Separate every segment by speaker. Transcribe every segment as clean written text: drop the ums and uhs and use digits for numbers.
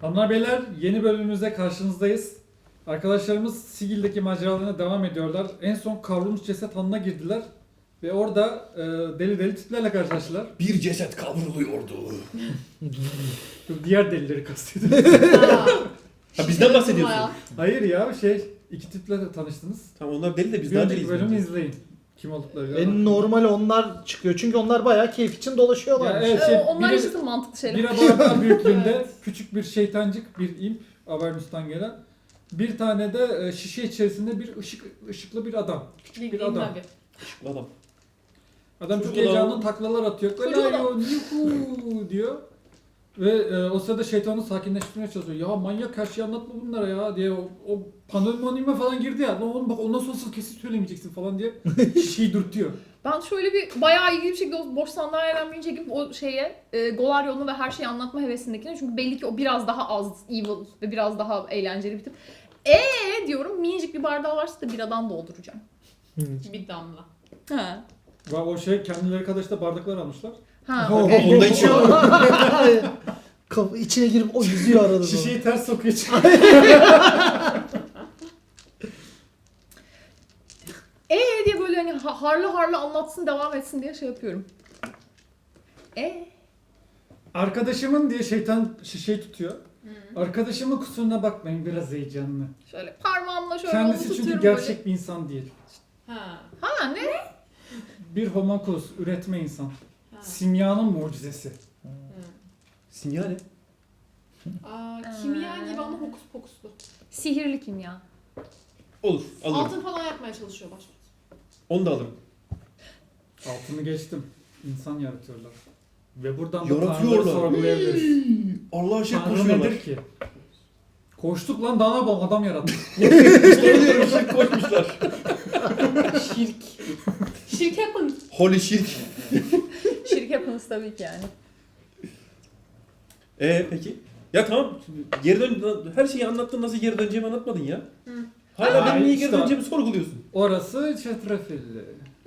Speaker 1: Hanımlar beyler, yeni bölümümüzde karşınızdayız. Arkadaşlarımız Sigil'deki maceralarına devam ediyorlar. En son kavrulmuş ceset hanına girdiler. Ve orada deli deli tiplerle karşılaştılar.
Speaker 2: Bir ceset kavruluyordu.
Speaker 1: Diğer delileri kastediyorum.
Speaker 2: Ha bizden bahsediyorsun.
Speaker 1: Hayır ya iki tiple de tanıştınız.
Speaker 2: Tamam onlar deli de
Speaker 1: Bir
Speaker 2: biz daha
Speaker 1: önceki
Speaker 2: deliyiz.
Speaker 1: bölümü
Speaker 2: bence.
Speaker 1: izleyin. Kim oldukları.
Speaker 3: En normal onlar çıkıyor çünkü onlar bayağı keyif için dolaşıyorlar.
Speaker 1: Ya evet,
Speaker 4: Onlar
Speaker 1: biri-
Speaker 4: yaşasın mantıklı şeyler.
Speaker 1: Bir abartma büyüklüğünde
Speaker 4: Evet.
Speaker 1: küçük bir şeytancık, bir imp, Avernus'tan gelen. Bir tane de şişe içerisinde bir ışıklı bir adam. Küçük bir adam.
Speaker 2: Adam.
Speaker 1: Adam çok
Speaker 2: Çocuk
Speaker 1: heyecanlı
Speaker 2: adam.
Speaker 1: taklalar atıyor.
Speaker 4: Çocuk
Speaker 1: Galayo, yuhu diyor. Ve o sırada şeytanı sakinleştirmeye çalışıyor. Ya manyak her şeyi anlatma bunlara ya diye o panomonime falan girdi ya. Lan oğlum bak ondan sonra kesin söylemeyeceksin falan diye şişeyi dürtüyor.
Speaker 4: Ben şöyle bir bayağı ilgili bir şekilde o boş sandalyeden binince gidip o Golaryon'u ve her şeyi anlatma hevesindekine. Çünkü belli ki o biraz daha az evil ve biraz daha eğlenceli bir tip. Diyorum minicik bir bardağı varsa da biradan dolduracağım.
Speaker 5: Bir damla.
Speaker 4: Ha.
Speaker 1: Ve o kendileri kadar da bardaklar almışlar.
Speaker 4: Ha.
Speaker 3: Oh,
Speaker 4: okey.
Speaker 2: Onu da içiyor.
Speaker 3: İçine girip o yüzüyor arada.
Speaker 1: Şişeyi ters sokuyor.
Speaker 4: Diye böyle hani harlı harlı anlatsın devam etsin diye şey yapıyorum.
Speaker 1: Arkadaşımın diye şeytan şişeyi tutuyor. Arkadaşımın kusuruna bakmayın, biraz heyecanlı.
Speaker 4: Şöyle parmağımla şöyle
Speaker 1: Kendisi
Speaker 4: onu
Speaker 1: çünkü
Speaker 4: tutuyorum
Speaker 1: gerçek
Speaker 4: böyle.
Speaker 1: bir insan değil.
Speaker 5: Ha.
Speaker 4: Ha ne?
Speaker 1: Bir homunculus, üretme insan.
Speaker 5: Ha.
Speaker 1: Simyanın mucizesi.
Speaker 2: Simya ne?
Speaker 5: Kimya gibi ama hokus pokuslu.
Speaker 4: Sihirli kimya.
Speaker 2: Olur alırım.
Speaker 5: Altın falan yapmaya çalışıyor başta.
Speaker 2: Onu da alırım.
Speaker 1: Altını geçtim. İnsan yaratıyorlar. Ve buradan da
Speaker 2: Yaratıyorlar.
Speaker 1: Tanrı'ları sorgulayabiliriz.
Speaker 2: Allah'a şirk
Speaker 1: Tanrı
Speaker 2: koşuyorlar.
Speaker 1: nedir ki? Koştuk lan, daha ne yapalım, adam yarattı.
Speaker 2: İşte diyorum şirk koşmuşlar.
Speaker 5: Şirk. Şirk yapın.
Speaker 2: Holy şirk.
Speaker 4: Şirk happens tabii ki yani.
Speaker 2: Peki. Ya tamam. Geri dön. Her şeyi anlattın, nasıl geri döneceğimi anlatmadın ya.
Speaker 5: Hı.
Speaker 2: Hala
Speaker 1: Ay,
Speaker 2: benim niye
Speaker 1: işte.
Speaker 2: geri döneceğimi sorguluyorsun.
Speaker 1: Orası çetrefilli.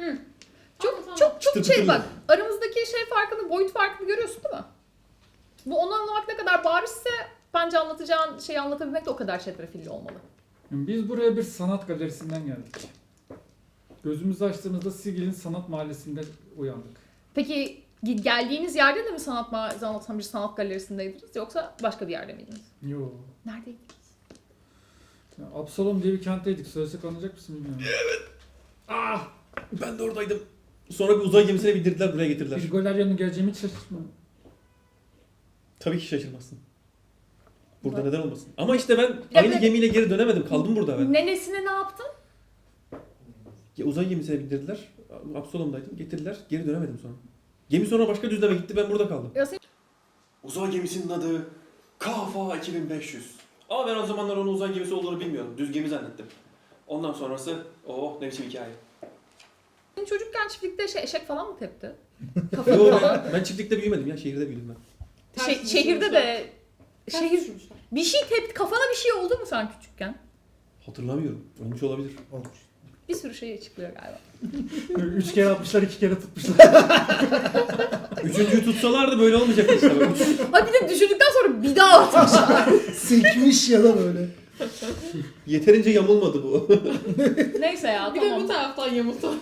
Speaker 4: Çok şey bak, aramızdaki şey farkını, boyut farkını görüyorsun değil mi? Bu onu anlamak ne kadar barizse bence anlatacağın şeyi anlatabilmek de o kadar çetrefilli olmalı.
Speaker 1: Biz buraya bir sanat galerisinden geldik. Gözümüzü açtığımızda Sigil'in sanat mahallesinde uyandık.
Speaker 4: Peki geldiğiniz yerde de mi anlatan bir sanat galerisindeydiniz yoksa başka bir yerde miydiniz?
Speaker 1: Yo.
Speaker 4: Neredeydiniz?
Speaker 1: Ya, Absalom diye bir kentteydik. Söylesek anlayacak mısın bilmiyorum.
Speaker 2: Ah! Ben de oradaydım. Sonra bir uzay gemisine bindirdiler, buraya getirdiler.
Speaker 1: Bir Golaryon'un geleceğimi hiç şaşırtmadım.
Speaker 2: Tabii ki şaşırmazsın. Burada neden olmasın? Ama işte ben
Speaker 4: Evet.
Speaker 2: aynı gemiyle geri dönemedim. Kaldım burada ben.
Speaker 4: Nenesine ne yaptın?
Speaker 2: Uzay gemisine bindirdiler. Absalom'daydım. Getirdiler. Geri dönemedim sonra. Gemi sonra başka düzleme gitti. Ben burada kaldım.
Speaker 4: Ya sen...
Speaker 2: Uzay gemisinin adı KFA 2500. Ama ben o zamanlar onun uzay gemisi olduğunu bilmiyordum. Düz gemi zannettim. Ondan sonrası ne biçim hikaye.
Speaker 4: Senin çocukken çiftlikte eşek falan mı tepti?
Speaker 2: Yo,
Speaker 4: Kafanı falan.
Speaker 2: ben çiftlikte büyümedim ya. Şehirde büyüdüm ben.
Speaker 4: Şehirde de şehir
Speaker 5: düşürmüşler.
Speaker 4: bir şey tepti. Kafana bir şey oldu mu sen küçükken?
Speaker 2: Hatırlamıyorum. Olmuş olabilir.
Speaker 4: Bir sürü şey açıklıyor galiba.
Speaker 1: 3 kere atmışlar, 2 kere tutmuşlar.
Speaker 2: Üçüncüyü tutsalardı böyle olmayacak işte.
Speaker 4: Ay bir de düşündükten sonra bir daha atmışlar.
Speaker 3: Sekmiş ya da böyle.
Speaker 2: Yeterince yamulmadı bu.
Speaker 4: Neyse ya
Speaker 5: Bir
Speaker 4: tamam.
Speaker 5: de bu taraftan yamultu.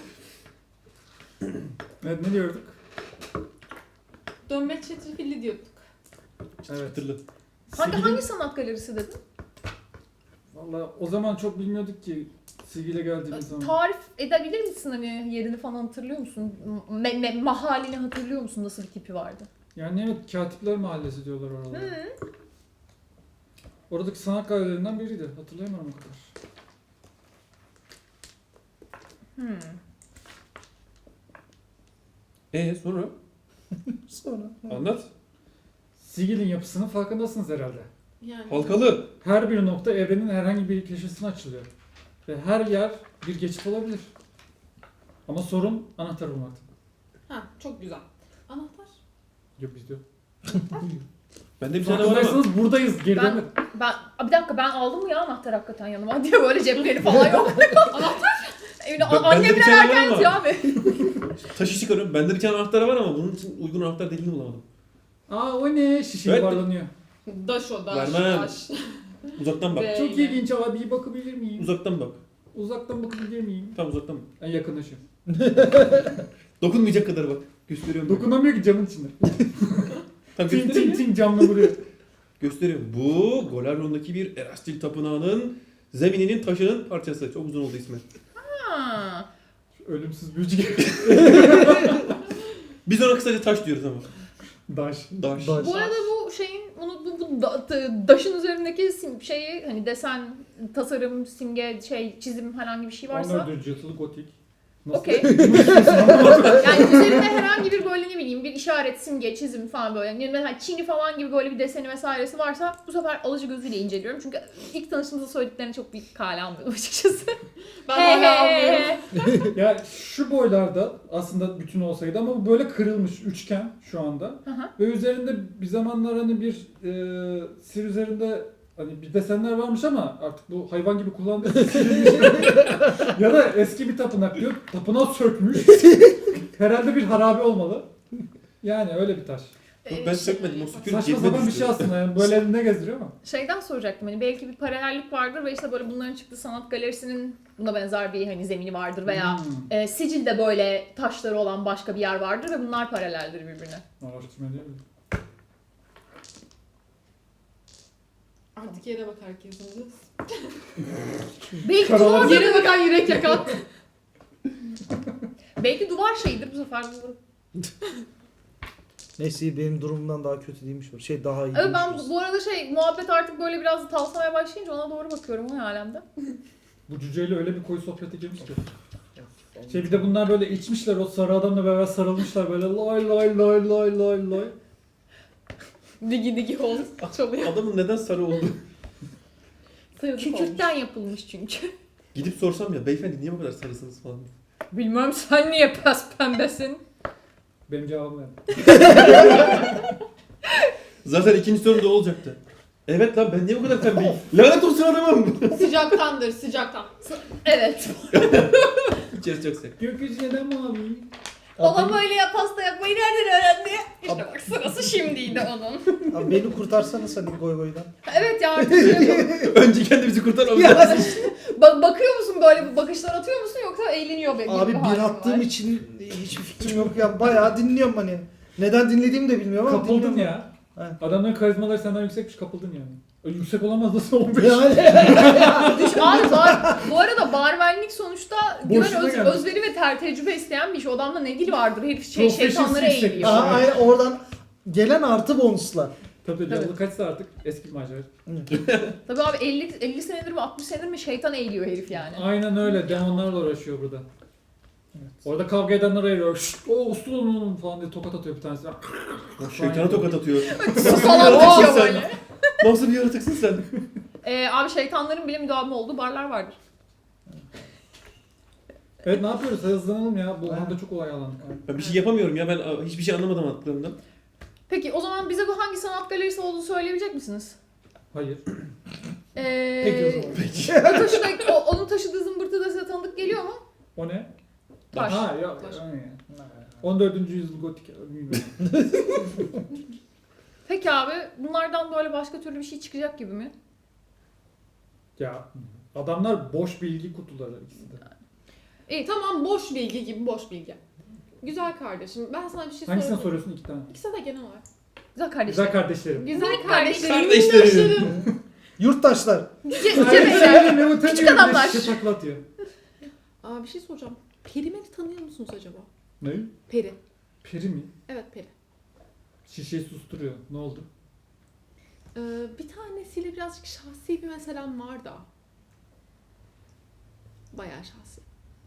Speaker 1: Evet, ne diyorduk?
Speaker 5: Dönme çetrefilli diyorduk.
Speaker 1: Evet.
Speaker 2: Hatırlı.
Speaker 4: Hangi sanat galerisi dedin?
Speaker 1: Valla o zaman çok bilmiyorduk ki Sigil'e geldiğimiz zaman.
Speaker 4: Tarif edebilir misin hani yerini falan hatırlıyor musun? Mahallini hatırlıyor musun? Nasıl bir tipi vardı?
Speaker 1: Yani evet, Katipler Mahallesi diyorlar oralara. Oradaki sanat galerilerinden biriydi. Hatırlayamıyorum o kadar.
Speaker 2: Sonra?
Speaker 3: Sonra.
Speaker 2: Anlat.
Speaker 1: Sigil'in yapısının farkındasınız herhalde.
Speaker 5: Yani.
Speaker 2: Halkalı.
Speaker 1: Her bir nokta evrenin herhangi bir köşesine açılıyor. Ve her yer bir geçit olabilir. Ama sorun anahtar bulmakta.
Speaker 5: Ha, çok güzel. Anahtar.
Speaker 1: Yok bizde yok.
Speaker 2: Bende bir tane var ama.
Speaker 1: Farkındaysanız buradayız. Geri
Speaker 4: Ben-
Speaker 1: dönmedik.
Speaker 4: Bir dakika ben aldım mı ya anahtar hakikaten yanıma diye böyle cepleri falan yok. Anahtar?
Speaker 2: Bende bir
Speaker 4: Annemler
Speaker 2: tane var
Speaker 4: erken
Speaker 2: ama.
Speaker 4: yatıyor abi.
Speaker 2: Taşı çıkarıyorum. Bende bir tane anahtar var ama bunun için uygun anahtar deliğini bulamadım.
Speaker 1: Aa o ne? Şişe
Speaker 2: Evet.
Speaker 1: yuvarlanıyor.
Speaker 5: Daş o daş.
Speaker 2: Vermem.
Speaker 5: Daş.
Speaker 2: Uzaktan bak.
Speaker 5: Ve-
Speaker 1: Çok ilginç abi, bir bakabilir miyim?
Speaker 2: Uzaktan bak.
Speaker 1: Uzaktan bakabilir miyim?
Speaker 2: Tam uzaktan bak.
Speaker 1: En yakınlaşım.
Speaker 2: Dokunmayacak kadar bak. Gösteriyorum.
Speaker 1: Dokunamıyor ki camın içinde.
Speaker 2: Tam
Speaker 1: Ting
Speaker 2: göstereyim
Speaker 1: ting
Speaker 2: mi?
Speaker 1: ting camla vuruyor.
Speaker 2: Gösteriyorum. Bu Golarion'daki bir Erastil Tapınağı'nın zemininin taşının parçası. Çok uzun oldu ismi.
Speaker 4: Ha.
Speaker 1: Ölümsüz büyücü gibi.
Speaker 2: Biz ona kısaca taş diyoruz ama.
Speaker 1: Daş.
Speaker 2: Daş.
Speaker 3: Daş.
Speaker 4: Bu arada bu şeyin daşın üzerindeki şeyi hani desen, tasarım, simge, çizim herhangi bir şey varsa
Speaker 1: 14. yüzyıl gotik. Nasıl?
Speaker 4: okey. Yani üzerinde herhangi bir böyle ne bileyim bir işaret, simge, çizim falan böyle. Yani mesela Çin'i falan gibi böyle bir deseni vesairesi varsa bu sefer alıcı gözüyle inceliyorum. Çünkü ilk tanıştığımızda söylediklerini çok bir kale almıyorum açıkçası.
Speaker 5: Ben hala anlıyorum.
Speaker 1: Ya şu boylarda aslında bütün olsaydı ama bu böyle kırılmış üçgen şu anda.
Speaker 4: Hı hı.
Speaker 1: Ve üzerinde bir zamanlar hani bir sir üzerinde hani bir desenler varmış ama artık bu hayvan gibi kullandığı silinmiş. Ya da eski bir tapınak diyor. Tapınağı sökmüş. Herhalde bir harabe olmalı. Yani öyle bir taş.
Speaker 2: Yok, ben sökmedim. O sükun
Speaker 1: Saçma
Speaker 2: cebime
Speaker 1: sapan bir
Speaker 2: düştü.
Speaker 1: şey aslında yani böyle elinde gezdiriyor ama.
Speaker 4: Şeyden soracaktım hani belki bir paralellik vardır ve işte böyle bunların çıktığı sanat galerisinin buna benzer bir hani zemini vardır veya Sicil'de böyle taşları olan başka bir yer vardır ve bunlar paraleldir birbirine.
Speaker 1: Araştırma değil mi?
Speaker 5: Artık yere bak herkesin.
Speaker 4: Belki
Speaker 1: Karalar-
Speaker 4: duvar,
Speaker 5: Yere bakan yürek yakan.
Speaker 4: belki duvar şeyidir bu sefer.
Speaker 3: Neyse benim durumumdan daha kötü değilmiş. Şey daha iyi.
Speaker 4: Evet ben
Speaker 3: değilmiş.
Speaker 4: bu arada muhabbet artık böyle biraz da tavsamaya başlayınca ona doğru bakıyorum o alemde.
Speaker 1: Bu cüceyle öyle bir koyu sohbete girmiş ki. Bir de bunlar böyle içmişler o sarı adamla beraber sarılmışlar böyle lay lay lay lay lay lay.
Speaker 5: Digi digi ol. Çalıyor.
Speaker 2: Adamın neden sarı oldu?
Speaker 5: Sayılık olmuş.
Speaker 4: Kükürtten yapılmış çünkü.
Speaker 2: Gidip sorsam ya beyefendi niye bu kadar sarısınız falan.
Speaker 4: Bilmem sen niye pes pembesin?
Speaker 1: Benim cevabım yani.
Speaker 2: Zaten ikinci soru da olacaktı. Evet lan ben niye bu kadar pembeyim? Lanet olsun adamım.
Speaker 5: Sıcaktandır sıcaktan.
Speaker 4: Evet.
Speaker 2: İçerisi çok sıcak.
Speaker 1: Gökyüzü neden mavi?
Speaker 4: Baba
Speaker 3: Abi,
Speaker 4: böyle pasta yapmayı nereden öğrendi? İşte bak sırası şimdiydi onun.
Speaker 3: abi beni kurtarsanız hadi goy goydan.
Speaker 4: Evet ya artık şey yapalım.
Speaker 2: Önce kendimizi kurtarmamız
Speaker 3: Ya,
Speaker 2: lazım.
Speaker 4: Bakıyor musun böyle bakışlar atıyor musun yoksa eğleniyor be?
Speaker 3: Abi bir attığım için hiçbir fikrim yok ya. Bayağı dinliyorum hani. Neden dinlediğimi de bilmiyorum ama
Speaker 1: Kapıldın
Speaker 3: dinliyorum.
Speaker 1: ya.
Speaker 3: Evet.
Speaker 1: Adamların karizmaları senden yüksekmiş kapıldın yani. Yüksek olamaz nasıl 15?
Speaker 3: Yani.
Speaker 4: Abi bu arada barmenlik sonuçta
Speaker 1: Boşuna
Speaker 4: güven,
Speaker 1: geldi.
Speaker 4: özveri ve tecrübe isteyen bir iş. O adamda ne dil vardır? Herif
Speaker 1: Professional
Speaker 4: şeytanlara
Speaker 1: yüksek.
Speaker 4: eğiliyor.
Speaker 3: Aha, aynen oradan gelen artı bonuslar.
Speaker 1: Tabii
Speaker 4: Evet.
Speaker 1: level'ı kaçsa artık eski bir macera.
Speaker 4: Tabii abi 50 senedir mi 60 senedir mi şeytan eğiliyor herif yani.
Speaker 1: Aynen öyle demonlarla uğraşıyor burada. Orada kavga edenler ayırıyor. Şşt, o uslu olun falan diye tokat atıyor bir tanesi.
Speaker 2: Şeytana tokat atıyor.
Speaker 4: Falan
Speaker 2: Nasıl
Speaker 4: düşüyor
Speaker 2: sen?
Speaker 4: böyle.
Speaker 2: Nasıl bir yaratıksın sen?
Speaker 4: Abi şeytanların bile müdavimi olduğu barlar vardır.
Speaker 1: Evet ne yapıyoruz? Hızlanalım ya. Bu anda çok olay alandık.
Speaker 2: Ben bir şey yapamıyorum ya ben hiçbir şey anlamadım anlattıklarından.
Speaker 4: Peki o zaman bize bu hangi sanat galerisi olduğunu söyleyebilecek misiniz?
Speaker 1: Hayır.
Speaker 3: Peki o zaman.
Speaker 4: Onun taşıdığı zımbırtı da size tanıdık geliyor mu?
Speaker 1: O ne?
Speaker 4: Taş.
Speaker 1: Ha ya.
Speaker 5: Taş.
Speaker 1: yani. 14. yüzyıl gotik. Bilmiyorum.
Speaker 4: Peki abi bunlardan böyle başka türlü bir şey çıkacak gibi mi?
Speaker 1: Ya adamlar boş bilgi kutuları ikisi de.
Speaker 5: İyi tamam boş bilgi gibi boş bilgi. Güzel kardeşim ben sana bir şey
Speaker 1: Hangisini
Speaker 5: sorayım.
Speaker 1: soruyorsun iki tane?
Speaker 5: İkisi de genel olarak.
Speaker 4: Güzel kardeşim.
Speaker 1: Güzel kardeşlerim.
Speaker 5: Güzel
Speaker 4: Minik
Speaker 5: kardeşlerim.
Speaker 2: Kardeşlerim.
Speaker 3: Yurttaşlar.
Speaker 4: Küçük adamlar.
Speaker 1: Şişe takla atıyor.
Speaker 5: Aa bir şey soracağım. Perimen'i tanıyor musunuz acaba?
Speaker 1: Ne?
Speaker 5: Peri.
Speaker 1: Peri mi?
Speaker 5: Evet peri.
Speaker 1: Şişeyi susturuyor. Ne oldu?
Speaker 5: Bir tanesiyle birazcık şahsi bir meselem var da. Bayağı şahsi.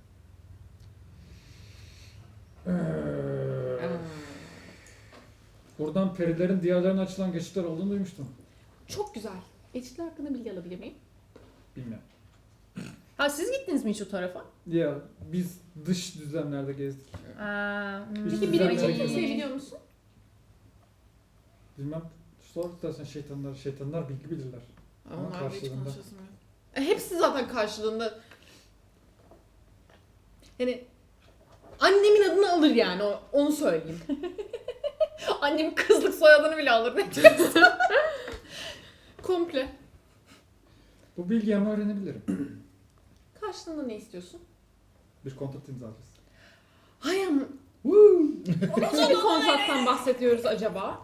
Speaker 1: Buradan perilerin diğerlerine açılan geçitler olduğunu duymuştum.
Speaker 5: Çok güzel. Geçitler hakkında bilgi alabilir miyim?
Speaker 1: Bilmiyorum.
Speaker 4: Ha siz gittiniz mi hiç o tarafa?
Speaker 1: Ya biz dış düzlemlerde gezdik.
Speaker 5: Peki
Speaker 1: Güzel
Speaker 5: bilebilecek
Speaker 1: hareket.
Speaker 5: kimseyi biliyor musun?
Speaker 1: Bilmem. Sor dersen şeytanlar bilgi bilirler. Ama
Speaker 5: Onlar hiç
Speaker 1: karşılığında.
Speaker 5: konuşasım yok. Hepsi zaten karşılığında. Yani annemin adını alır yani onu söyleyeyim.
Speaker 4: Annemin kızlık soyadını bile alır ne diyorsun?
Speaker 5: Komple.
Speaker 1: Bu bilgiyi ama öğrenebilirim.
Speaker 5: Karşılığında ne istiyorsun?
Speaker 1: Bir kontrat imzalarız.
Speaker 5: Hay ama. Nasıl bir kontrattan bahsediyoruz acaba?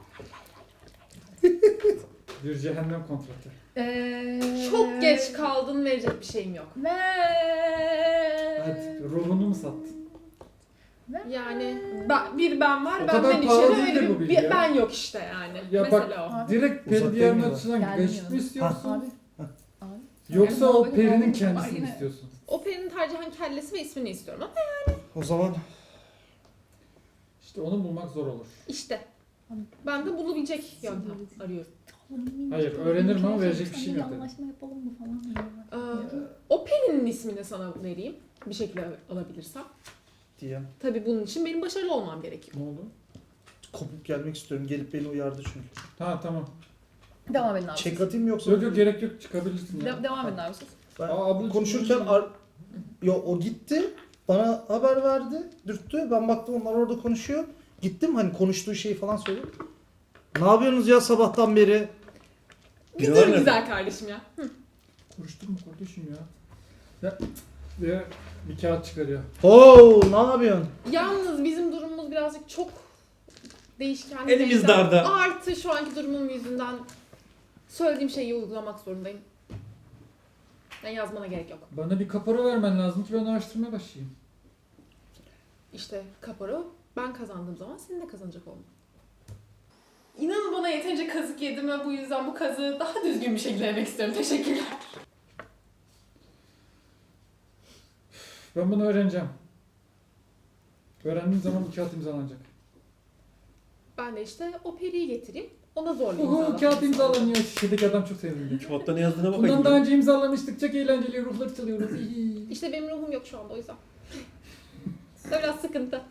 Speaker 1: Bir cehennem kontratı.
Speaker 5: Çok geç kaldın, verecek bir şeyim yok.
Speaker 1: Hadi ruhunu mu sattın?
Speaker 5: Yani ben var,
Speaker 1: O kadar
Speaker 5: benden
Speaker 1: pahalı
Speaker 5: içeri
Speaker 1: değildir
Speaker 5: öyle
Speaker 1: bu
Speaker 5: bir,
Speaker 1: bilgi ya.
Speaker 5: ben yok işte yani.
Speaker 1: Ya
Speaker 5: Mesela
Speaker 1: bak
Speaker 5: o.
Speaker 1: direkt peri
Speaker 3: Uzak
Speaker 1: diğerinin
Speaker 3: değil mi?
Speaker 1: açısından
Speaker 4: Geldim
Speaker 1: geçit mi
Speaker 4: yanına.
Speaker 1: istiyorsun?
Speaker 4: Abi. Abi.
Speaker 1: Yoksa o
Speaker 4: Yani
Speaker 1: perinin
Speaker 4: abi,
Speaker 1: kendisini
Speaker 4: yine.
Speaker 1: istiyorsun?
Speaker 5: O perinin tercihen kellesi ve ismini istiyorum ama
Speaker 3: O zaman
Speaker 1: İşte onu bulmak zor olur.
Speaker 5: işte. Ben de bulabilecek yöntem arıyorum.
Speaker 1: Hayır, öğrenirim ama verecek bir şeyim yok dedim.
Speaker 4: Anlaşma yapalım mı falan diyor.
Speaker 5: O perinin ismini sana vereyim. Bir şekilde alabilirsem.
Speaker 3: diye
Speaker 5: Tabii bunun için benim başarılı olmam gerekiyor.
Speaker 1: Ne oldu?
Speaker 3: kopup gelmek istiyorum. Gelip beni uyardı çünkü.
Speaker 1: Ha tamam.
Speaker 4: Devam edin abi.
Speaker 3: Çek atayım mı yoksa?
Speaker 1: Yok yok gerek yok çıkabilirsin ya.
Speaker 4: Devam edin abi siz.
Speaker 3: Ben
Speaker 1: ablacığım,
Speaker 3: konuşurken o gitti. Bana haber verdi. Dürttü. Ben baktım onlar orada konuşuyor. Gittim hani konuştuğu şeyi falan söyledim. Ne yapıyorsunuz ya sabahtan beri?
Speaker 5: Bir dur güzel kardeşim ya.
Speaker 1: Konuşturma kardeşim ya. Ya bir kağıt çıkarıyor.
Speaker 3: Oo, ne yapıyorsun?
Speaker 5: Yalnız bizim durumumuz birazcık çok değişken.
Speaker 2: Elimiz
Speaker 5: değişken.
Speaker 2: darda.
Speaker 5: Artı şu anki durumum yüzünden söylediğim şeyi uygulamak zorundayım. Yani yazmana gerek yok.
Speaker 1: Bana bir kapora vermen lazım ki ben araştırmaya başlayayım.
Speaker 5: İşte kapora ben kazandığım zaman senin de kazanacak olman. İnanın bana yeterince kazık yedim ve bu yüzden bu kazığı daha düzgün bir şekilde yemek istiyorum. Teşekkürler.
Speaker 1: Ben bunu öğreneceğim. Öğrendiğim zaman bu kağıt imzalanacak.
Speaker 5: Ben de işte o periyi getireyim. Ona zorla
Speaker 1: Uhu
Speaker 5: imzalatmak
Speaker 1: kağıt
Speaker 5: istiyorum.
Speaker 1: imzalanıyor. Şişedeki adam çok sevindi.
Speaker 2: Kağıtta ne yazdığına
Speaker 1: Bundan
Speaker 2: bakayım.
Speaker 1: daha önce imzalamıştık. Çok eğlenceli ruhları çalıyoruz. İyi.
Speaker 5: İşte benim ruhum yok şu anda o yüzden. Biraz sıkıntı.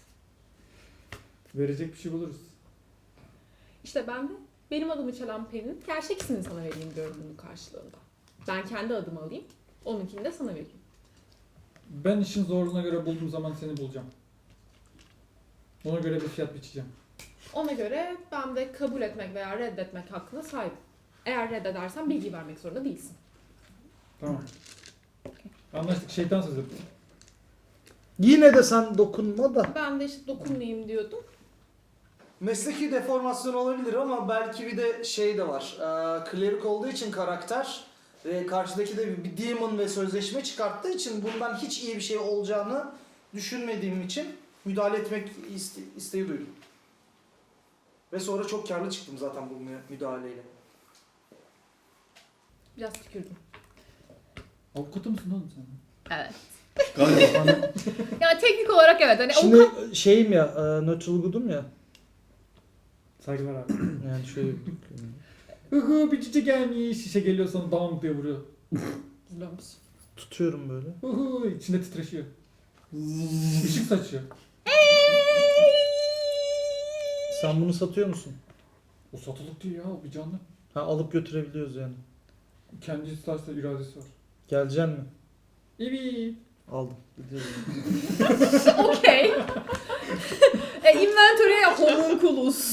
Speaker 1: Verecek bir şey buluruz.
Speaker 5: İşte ben de benim adımı çalan perinin gerçek ismini sana vereyim diyorum bunun karşılığında. Ben kendi adımı alayım, onunkini de sana vereyim.
Speaker 1: Ben işin zorluğuna göre bulduğum zaman seni bulacağım. Ona göre bir fiyat biçeceğim.
Speaker 5: Ona göre ben de kabul etmek veya reddetmek hakkına sahibim. Eğer reddedersen bilgi vermek zorunda değilsin.
Speaker 1: Tamam. Anlaştık. Şeytan sözü.
Speaker 3: Yine de sen dokunma da.
Speaker 5: Ben de işte dokunmayayım diyordum.
Speaker 3: Mesleki deformasyon olabilir ama belki bir de şey de var. Klerik olduğu için karakter ve karşıdaki de bir demon ve sözleşme çıkarttığı için bundan hiç iyi bir şey olacağını düşünmediğim için müdahale etmek isteği duydum. Ve sonra çok karlı çıktım zaten bu müdahaleyle.
Speaker 5: Biraz tükürdüm.
Speaker 1: Avukatı mısın oğlum sen?
Speaker 4: Evet.
Speaker 2: Galiba.
Speaker 4: Yani teknik olarak evet. Hani
Speaker 3: Şimdi
Speaker 4: avukat...
Speaker 3: şeyim ya, neutral good'um ya.
Speaker 1: Saygılar abi.
Speaker 3: Yani şöyle...
Speaker 1: Uhu bir çiçek gelmiş. Şişe geliyor sana dam diye vuruyor.
Speaker 5: Biliyor musun?
Speaker 3: Tutuyorum böyle.
Speaker 1: Uhu içinde titreşiyor. Işık saçıyor.
Speaker 3: Sen bunu satıyor musun?
Speaker 1: O satılık değil ya o bir canlı.
Speaker 3: Ha, alıp götürebiliyoruz yani.
Speaker 1: Kendi isterse iradesi var.
Speaker 3: Geleceksin mi?
Speaker 1: Evet.
Speaker 3: Aldım. Gidiyorum.
Speaker 4: Okey. Inventory'e yap homunculus.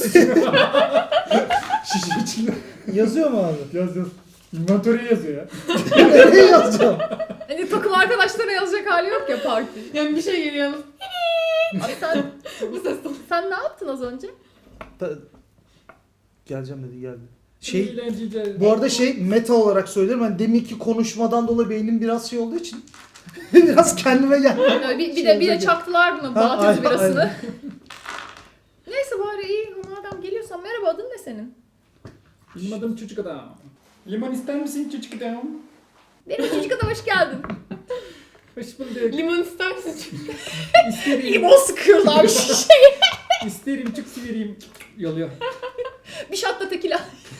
Speaker 1: Şişe içinde.
Speaker 3: Yazıyor mu abi?
Speaker 1: Yaz yaz. Inventory'e yazıyor ya.
Speaker 3: Nereye yazacağım?
Speaker 4: Hani takım arkadaşlara yazacak hali yok ya parti.
Speaker 5: Yani bir şey geliyor.
Speaker 4: Abi sen,
Speaker 5: Bu ses tonu.
Speaker 4: sen ne yaptın az önce?
Speaker 3: Geleceğim dedi geldi.
Speaker 1: Eğlenceli.
Speaker 3: Bu arada meta olarak söylüyorum. Hani deminki konuşmadan dolayı beynim biraz şey olduğu için biraz kendime geldim.
Speaker 4: Böyle bir de çaktılar buna Balatözü
Speaker 3: aynen,
Speaker 4: birasını.
Speaker 3: aynen.
Speaker 4: Neyse bari iyi madem geliyorsan merhaba adın ne senin?
Speaker 1: Benim adım çocuk adam. Limon ister misin çocuk adam?
Speaker 4: Benim çocuk adam hoş geldin.
Speaker 1: Hoş bulduk.
Speaker 5: Limon ister misin?
Speaker 1: İsterim.
Speaker 4: Limon sıkıyorlar şişe.
Speaker 1: İsterim çok severim. Yalıyor.
Speaker 4: Bir shot da tekila.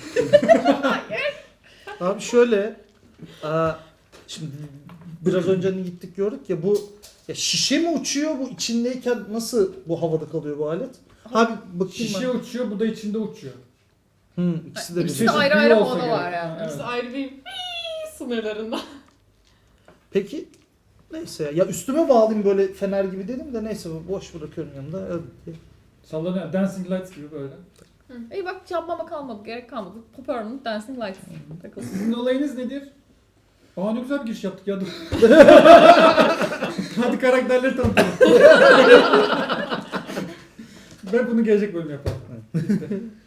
Speaker 3: Abi şöyle şimdi biraz önce hani gittik gördük ya bu ya şişe mi uçuyor bu içindeyken nasıl bu havada kalıyor bu alet? Abi bakayım
Speaker 1: Şişe uçuyor bu da içinde uçuyor.
Speaker 3: ikisi de
Speaker 4: İkisi
Speaker 3: bir.
Speaker 4: de ayrı
Speaker 1: büyü
Speaker 4: ayrı
Speaker 1: olsa
Speaker 4: havada
Speaker 1: gerek.
Speaker 4: var yani.
Speaker 1: Evet.
Speaker 5: İşte ayrı bir sınırlarında.
Speaker 3: Peki neyse ya üstüme bağlayayım böyle fener gibi dedim de neyse boş bırakıyorum yanında. Evet.
Speaker 1: Sallanıyor. Dancing Lights gibi böyle.
Speaker 4: İyi bak yapmama kalmadı, gerek kalmadı. Permanent Dancing Lights takıldı.
Speaker 1: Sizin olayınız nedir? Aa ne güzel bir giriş yaptık ya dur. Hadi karakterleri tanıtalım. Ben bunu gelecek bölüm yaparım. İşte.